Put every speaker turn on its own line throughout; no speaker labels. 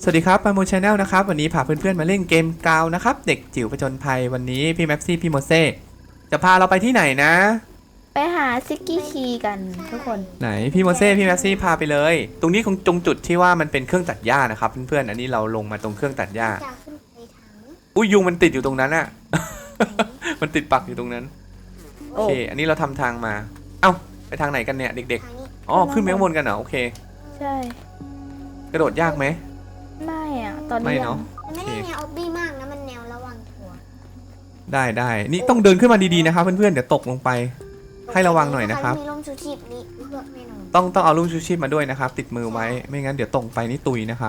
สวัสดีครับปาโมชแนลนะครับวันนี้พาเพื่อนๆมาเล่นเกมกาวนะครับเด็กจิ๋วผจญภัยวันนี้พี่แม็ปซี่พี่โมเซ่จะพาเราไปที่ไหนนะ
ไปหาซิกกี้คีกันทุกคน
ไหนพี่โมเซ่พี่แม็ปซี่พาไปเลยตรงนี้คงตรงจุดที่ว่ามันเป็นเครื่องตัดหญ้านะครับเพื่อนๆอันนี้เราลงมาตรงเครื่องตัดหญ้าอุ้ยยุงมันติดอยู่ตรงนั้นอะ มันติดปักอยู่ตรงนั้นโอเคอันนี้เราทำทางมาเอ้าไปทางไหนกันเนี่ยเด็กๆอ๋อขึ้นไปข้างบนกันเหรอโอเค
ใช่
กระโดดยากไหม
ไม่อ่ะตอนนี้
ไม่เนาะ
มันไม่ได้แนวออบบี้มากนะมันแนวระวังตัว
ได้นี่ต้องเดินขึ้นมาดีๆนะครับเพื่อนๆเดี๋ยวตกลงไปให้ระวังหน่อยนะครับ
มีร่มชูชีพนี้เพื่อแน่นอน
ต้องเอาลูกชูชีพมาด้วยนะครับติดมือไว้ไม่งั้นเดี๋ยวตกไปนี่ตุยนะครับ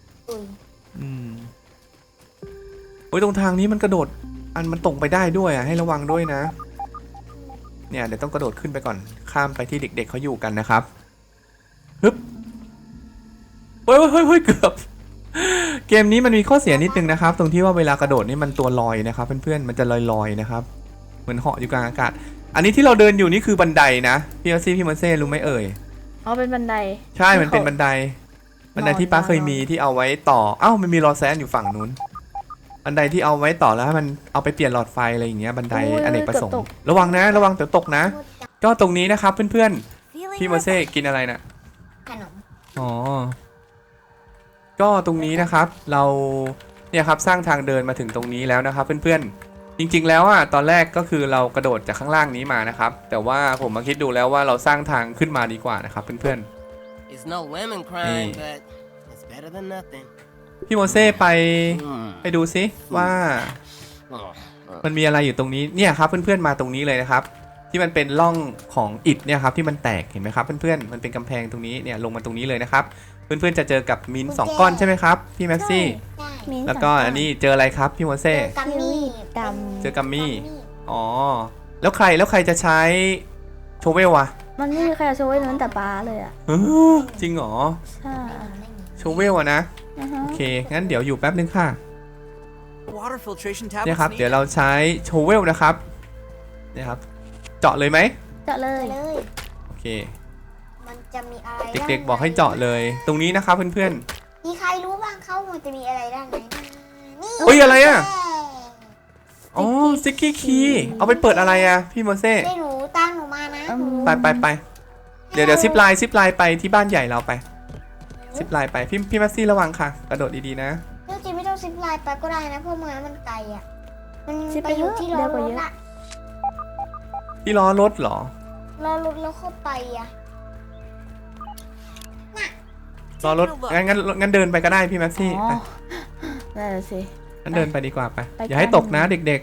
โอ้ยตรงทางนี้มันกระโดดมันตกไปได้ด้วยอ่ะให้ระวังด้วยนะเนี่ยเดี๋ยวต้องกระโดดขึ้นไปก่อนข้ามไปที่เด็กๆเขาอยู่กันนะครับฮึบเฮ้ยเกือบเกมนี้มันมีข้อเสียนิดนึงนะครับตรงที่ว่าเวลากระโดดนี่มันตัวลอยนะครับเพื่อนๆมันจะลอยๆนะครับเหมือนเหาะอยู่กลางอากาศอันนี้ที่เราเดินอยู่นี่คือบันไดนะพี่อาซี่พี่มันเซ่รู้ไหมเอ่ย
อ๋อเป็นบันได
ใช่มันเป็นบันไดที่ป้าเคยมีที่เอาไว้ต่อมันมีรอแซนอยู่ฝั่งนู้นบันไดที่เอาไว้ต่อแล้วมันเอาไปเปลี่ยนหลอดไฟอะไรอย่างเงี้ยบันไดอเนกประสงค์ระวังนะระวังเดี๋ยวตกนะก็ตรงนี้นะครับเพื่อนๆพี่มันเซ่กินอะไรนะ
ขนม
อ๋อก็ตรงนี้นะครับเราเนี่ยครับสร้างทางเดินมาถึงตรงนี้แล้วนะครับเพื่อนๆจริงๆแล้วตอนแรกก็คือเรากระโดดจากข้างล่างนี้มานะครับแต่ว่าผมมาคิดดูแล้วว่าเราสร้างทางขึ้นมาดีกว่านะครับเพื่อนๆพี่โมเซ่ไปดูซิว่ามันมีอะไรอยู่ตรงนี้เนี่ยครับเพื่อนๆมาตรงนี้เลยนะครับที่มันเป็นร่องของอิฐเนี่ยครับที่มันแตกเห็นไหมครับเพื่อนๆมันเป็นกำแพงตรงนี้เนี่ยลงมาตรงนี้เลยนะครับเพื่อนๆจะเจอกับมินสองก้อนใช่ไหมครับพี่แม็กซี่แล้วก็อันนี้เจออะไรครับพี่โมเซ่
กัมมี่
เจอกัมมี่อ๋อแล้วใครจะใช้โชเวลอะ
มันไม่มีใครโชว์ไว้นั้นแต่ป้าเลยอ่ะ
จริงเหรอ
ใช่
โชเวลอะนะโอเคงั้นเดี๋ยวอยู่แป๊บนึงค่ะเนี่ยครับเดี๋ยวเราใช้โชเวลนะครับเนี่ยครับเจาะเลยไหม
เจาะเลย
โอเค
มันจะมีอะไร
เด็กๆบอกให้เจาะเลยตรงนี้นะครับเพื่อน
ๆมีใครรู้บ้างเขามันจะมีอะไรด้านไหนนี่
เฮ้ยอะไรอะอ๋อซิกกี้คีเอาไปเปิดอะไรอะพี่โมเซ่
ไม่รู้ตั้งหนูมานะ
ไปเดี๋ยวซิปไลน์ไปที่บ้านใหญ่เราไปซิปไลน์ไปพี่แม็กซี่ระวังค่ะกระโดดดีๆนะ
จริงไม่ต้องซิปไลน์ไปก็ได้นะเพราะมันไกลอ่ะมันไปอยู่ที่ล้อรถอะ
ที่ล้อรถเหรอ
ล้อรถแล้วเข้าไปอ่ะ
ล้อรถงั้นเดินไปก็ได้พี่แม็กซี่
นั่นสิ
งั้นเดินไปดีกว่าไปอย่าให้ตกนะเด็ก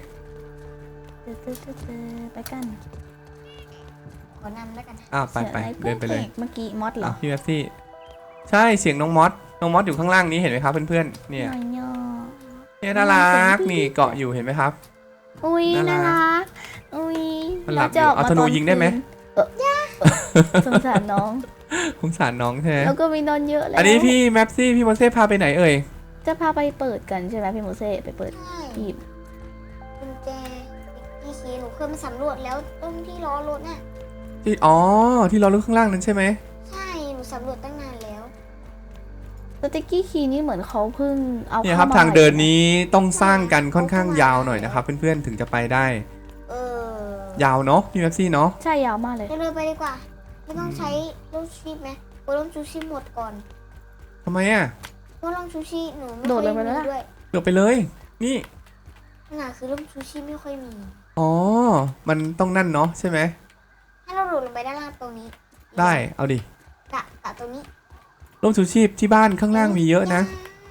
ๆไปกัน
ขอนำแล้วกัน
ไปเดินไปเลย
เมื่อกี้มอสเหรอ
พี่แม็กซี่ใช่เสียงน้องมอสอยู่ข้างล่างนี้เห็นไหมครับเพื่อนๆเนี่ยน่ารักนี่เกาะอยู่เห็นไหมครับ
อุ้ยน่ารักอุ้ย
มันหลับอยู่เอาธนูยิงได้ไหม
สงสารน้อง
ใช่ไหม
แล้วก็มีนอนเยอะแล้ว
อันนี้พี่แม็ปซี่พี่โมเซ่พาไปไหนเอ่ย
จะพาไปเปิดกันใช่ไหมพี่โมเซ่ไปเปิดหีบ
กุญแจพี่คีหนูเคยมาสำรวจแล้วตรงที่ล้อรถน่ะ
ที่ล้อรถข้างล่างนั้นใช่ไหม
ใช่หนูสำรวจตั้งนานแล้ว
สติ๊กกี้คีนี่เหมือนเขาเพิ่งเอา
เนี่ยครับทางเดินนี้ต้องสร้างกันค่อนข้างยาวหน่อยนะครับเพื่อนๆถึงจะไปได้ยาวเนาะพี่แม็ปซี่เนาะ
ใช่ยาวมากเลย
เดินไปดีกว่าไม่ต้องใช้ร่มชูชีพไหมเพราะร่มชูชีพหมดก่อน
ทำไมอ่ะ
เพราะร่มชูชีพหนูไม่ค่อยมีด้วย
เดี๋ยวไปเลยนี่
คือร่มชูชีพไม่ค่อยมี
มันต้องนั่นเนาะใช่ไหม
ให้เราโดดลงไปด้านล่างตรงนี้
ได้เอาดิ
ตะตรงนี้
ร่มชูชีพที่บ้านข้างล่างมีเยอะนะ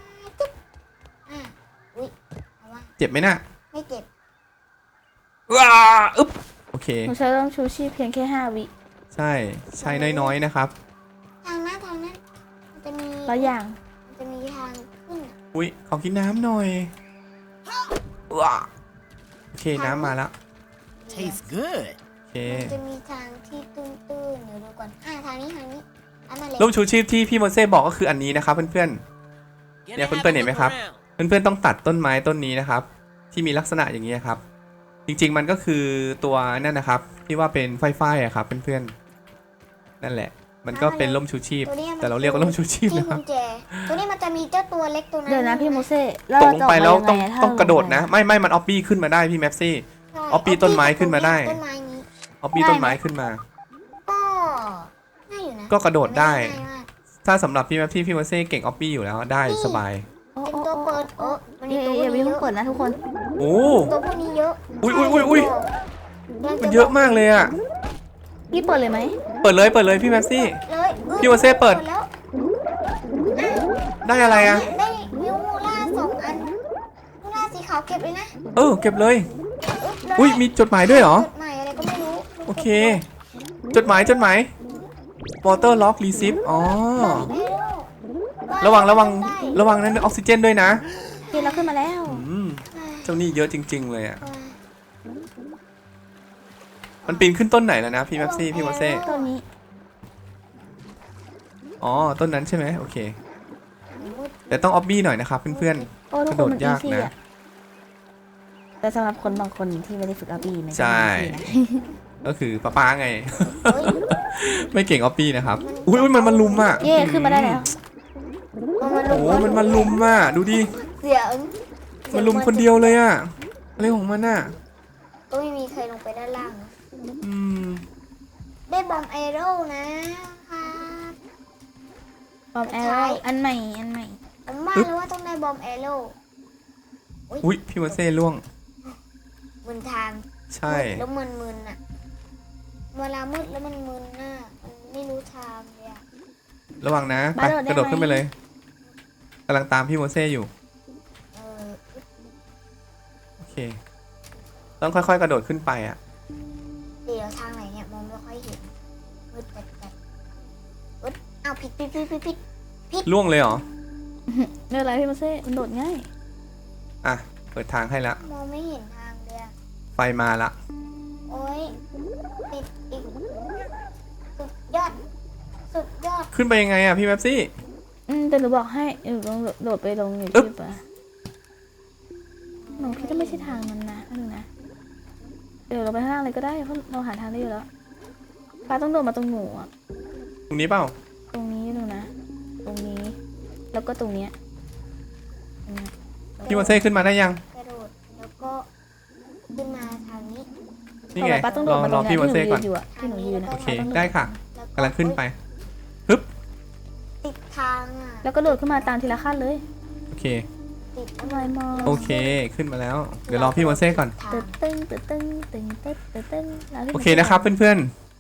เจ็บไหมน่ะ
ไม่เจ็บ
ว้าอึ๊บโอเค
หนูใช้ร่มชูชีพเพียงแค่5 วิ
ใช้น้อยๆนะครับ
ทางนั้นมันจะมี
แล้วอย่าง
มันจะมีทางขึ้น
อุ้ยขอกินน้ำหน่อยว้าโอเคน้ำมาแล้ว
Tastes good
โอเค
มันจะมีทางที่ตื้นๆเดี๋ยวดูก่อนทางนี้
ร่มชูชีพที่พี่โมเซ่บอกก็คืออันนี้นะครับเพื่อนๆเนี่ยเพื่อนๆเห็นไหมครับเพื่อนๆต้องตัดต้นไม้ต้นนี้นะครับที่มีลักษณะอย่างนี้ครับจริงๆมันก็คือตัวนั่นนะครับที่ว่าเป็นไฟอะครับเพื่อนๆนั่นแหละมันก็เป็นร่มชูชีพแต่เราเรียกว่าร่มชูชีพ
นะครับตัวนี้มันจะมีเจ้าตัวเล็กตัวนั้น
เดี๋ยวนะพี่โมเซ่
ตกลงไปแล้วต้อง
ถ้า
ต้องกระโดดนะ ไม่มันออฟบี้ขึ้นมาได้พี่แมปซี่
ใช่
เอาปีนต้นไม้ขึ้นมาได้
ต้นไม้นี้
ออฟบี้ต้นไม้ขึ้นมา
ก็ง่ายอยู่นะ
ก็กระโดดได้
ง่ายมาก
ถ้าสำหรับพี่แมปซี่พี่โมเซ่เก่งออฟบี้อยู่แล้วได้สบาย
โอ้
เป็น
โอ้
ตัว
โอ้
เปิดมันมี
เย่
ตัวพ
เย่
วก
พี่
นี้เย
เพิ่ง
อะ
เปิดนะทุกคน
โอ้
ตัวพวกนี้เยอะ
อุ้ย
กำลังจ
มันเยอะมากเลยอ่ะ
พี่เปิดเลยไหม
เปิดเลยพี่แมปซี่
เลย
พี่โมเซ่เปิด
แล้ว
ได้อะไรอ่ะ
ได้มิวมูล่า2 อันมูล่าสีขาวเก็บเลยนะ
เก็บเลย
เลย
อุ้ยมีจดหมายด้วยเหรอ
จดหมายอะไรก็ไม่รู้
โอเค จดหมาย water lock receipt อ๋อ ระวังนั้นออกซิเจนด้วยนะ
พี่เราขึ้นมาแล้ว
เจ้านี่เยอะจริง ๆ เลยอ่ะ มันปีนขึ้นต้นไหนแล้วนะพี่แมปซี่พี่โมเซ่
ตัวนี้
อ๋อ ต้นนั้นใช่ไหมโอเค แต่ต้องออบบี้หน่อยนะครับเพื่อน
โอ้
ๆ
ทุ
ก
ก
ระ
ค
โด
น
ด
มันอี
ยาก
ซี่
นะ
อะแต่สำหรับคนบางคนที่ไม่ได้ฝึกอาบีมัน
ใช่ ก็คือป้าไง ไม่เก่งออบบี้นะครับ อุ้ยมันลุมอ่ะ
เย่ขึ้นมาได้แล้ว
โอ้มันมาลุมอ่ะ ดูดิ
เสียง
มันลุมคนเดียวเลยอ่ะ อะไรของมันอ่ะ
ก็ไม่มีใครลงไปด้านล่างนะ
อืม
ได้บอมไอโร่นะครับ
บอมแอโร่อันใหม่
ผมว่าแล้วว่าต้องได้บอมไอโร่
อุ้ยพี่โมเซ่ล่วง
มึนทาง
ใช่
มืดแล้วมึนอ่ะเวลามืดแล้วมันมึนน่ะมันไม่รู้ทางเลยอ่ะ
ระวังนะไปกระโดดขึ้นไปเลยกำลังตามพี่โมเซ่อยู่
เออ
โอเค ต้องค่อยๆ กระโดดขึ้นไปอ่ะ
เดี๋ยวทางไหนเนี่ยมองไม่ค่อยเห็นมืดจัดๆอ้าวผิด
ล่วงเลยเหรอ
ไม่เป็นไรพี่โมเซ่มันโดดง่าย
อ่ะ เปิดทางให้ละ
มองไม่เห็นทางเลยอะ
ไฟมาละ
โอ้ยติดอีกสุดยอด
ขึ้นไปยังไงอ่ะพี่แมปซี่
แต่หนูบอกให้ลองโดดไปลงอยู่
อึ๊บ
ที่ปะหนูคิดว่าไม่ใช่ทางนั้นนะดูนะเดี๋ยวเราไปข้างล่างเลยก็ได้เพราะเราหาทางได้อยู่แล้วป้าต้องโดดมาตรงหนูอะ
ตรงนี้เปล่า
ตรงนี้ดูนะ ตรงนี้ แล้วก็ตรงเนี้ยตรงเนี้ย
พี่โมเซ่ขึ้นมาได้ยัง
กระโดดแล้วก็ขึ้นมาทางนี้
นี่ไง
ป้าต้องโด
ร
ด
อ
มาตรง
พี่
เนี้ย
โม
ที่หนู
เซ่ก่อน
ยืนอยู่อะที่หนูยืนนะ
โอเค
ป้าต้องโด
ได้ค่ะ
แล้ว
กำลังขึ้นไป
ติดทางอ่ะ
แล้วก็โดดขึ้นมาตามทีละขั้นเลย
โอเค
ติด
ทำไมมอง
โอเค ขึ้นมาแล้ว เดี๋ยวรอพี่โมเซ่ก่อน
ทาง
ตึ้งตึ้งตึ้งตึ้งตึ้งตึ้งตึ้งแล้วพี่
โอเคนะครับเพื่อน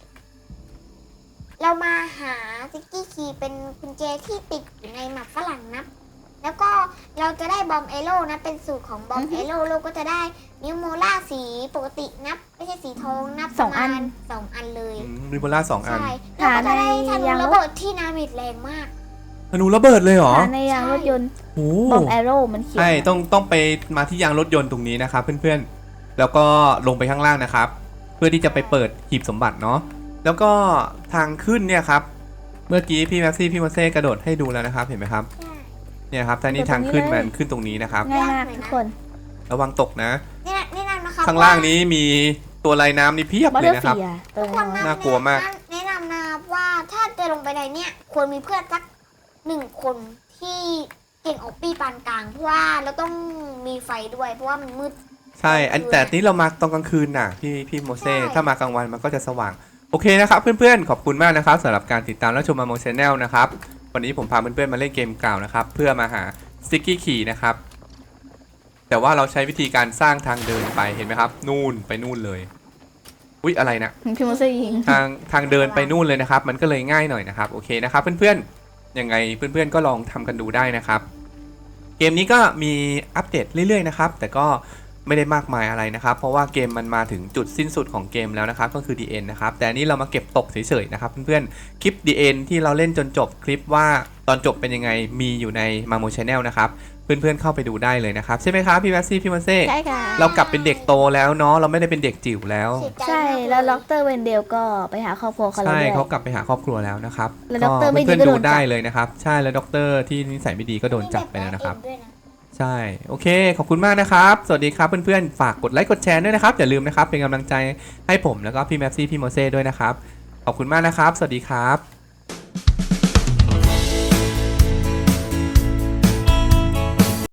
เรามาหาซิกกี้คีย์เป็นกุญแจที่ติดอยู่ในหมักฝรั่งนับ แล้วก็เราจะได้บอมเอโร่นะเป็นสูตรของบอมเอโร่เราก็จะได้นิวโมล่าสีปกตินับ ไม่ใช่สีทองนับประมาณ2 อันเลย
ๆริโบล่า2 อัน
ใช่แล้วก็จะได้ธนูระเบิดที่นามิดแรงมาก
ธนูระเบิดเลยเหรอ
หาในยางรถยนต์
โอ้
บอมแอโร่มันเขียน
ใช่ต้องไปมาที่ยางรถยนต์ตรงนี้นะครับเพื่อนๆ แล้วก็ลงไปข้างล่างนะครับ เพื่อที่จะไปเปิดหีบสมบัติเนาะ แล้วก็ทางขึ้นเนี่ยครับ เมื่อกี้พี่แม็กซี่พี่โมเซ่กระโดดให้ดูแล้วนะครับ เห็นไหมครับ
ใช่
เนี่ยครับทางนี้ทางขึ้นมันขึ้นตรงนี้นะครับ
ง่ายมากทุกคน
ระวังตกนะ
นี่นะนะครับ
ข้างล่างนี้มีตัวลายน้ำนี่เพียบ
บัต
เล
เตอย ร์
นะครับ
เฟียเติม
คน
น่ากลัวมาก
แนะนำนะว่าถ้าจะลงไปในเนี่ยควรมีเพื่อนสัก1 คนที่เก่งออกปีปานกลางเพราะว่าเราต้องมีไฟด้วยเพราะว่ามันมืด
ใช่แต่นี้เรามาตอนกลางคืนน่ะพี่โมเซ่
ใช่
ถ้ามากลางวันมันก็จะสว่าง โอเคนะครับเพื่อนๆ ขอบคุณมากนะครับสำหรับการติดตามและชมมาโมชแนลนะครับ วันนี้ผมพาเพื่อนๆมาเล่นเกมกล่าวนะครับเพื่อมาหาสติ๊กกี้ขี่นะครับ แต่ว่าเราใช้วิธีการสร้างทางเดินไปเห็นไหมครับ นู่นไปนู่นเลย อุ๊ยอะไรนะ
พี่โมเซ่ยิง
ทางเดินไปนู่นเลยนะครับ มันก็เลยง่ายหน่อยนะครับ โอเคนะครับเพื่อนๆ ยังไงเพื่อนๆ ก็ลองทำกันดูได้นะครับ เกมนี้ก็มีอัปเดตเรื่อยๆนะครับ แต่ก็ไม่ได้มากมายอะไรนะครับ เพราะว่าเกมมันมาถึงจุดสิ้นสุดของเกมแล้วนะครับ ก็คือ The End นะครับ แต่อันนี้เรามาเก็บตกเฉยๆนะครับเพื่อนๆ คลิป The End ที่เราเล่นจนจบคลิปว่าตอนจบเป็นยังไงมีอยู่ใน Mamo Channel นะครับ เพื่อนๆ เข้าไปดูได้เลยนะครับ ใช่ไหมครับพี่แมสซี่พี่โมเซ่
ใช่ค่ะ
เรากลับเป็นเด็กโตแล้วเนาะ เราไม่ได้เป็นเด็กจิ๋วแล้ว
เสียใจ
ใช่
มากเย
แล้วล็อกเตอร์เวนเดลก็ไปหาครอบครัวเขาแล้ว
ใช่
ด้วย
เขากลับไปหาครอบครัวแล้วนะครับ
แล้วด็อกเตอร์ไม่ดี
เพื่อน
ก็
ๆ
โด
ดู
นจับ
ได้เลยนะครับ ใช่แล้วด็อกเตอร์ที่นิสัยไม่ดีก็โดนจับไปแล้วนะครับ
ด้วยนะ
ใช่ โอเค ขอบคุณมากนะครับ สวัสดีครับเพื่อนๆ ฝากกดไลค์กดแชร์ด้วยนะครับ อย่าลืมนะครับ เป็นกำลังใจให้ผมแล้วก็พี่แมปซี่พี่โมเซ่ด้วยนะครับ ขอบคุณมากนะครับ สวัสดีครับ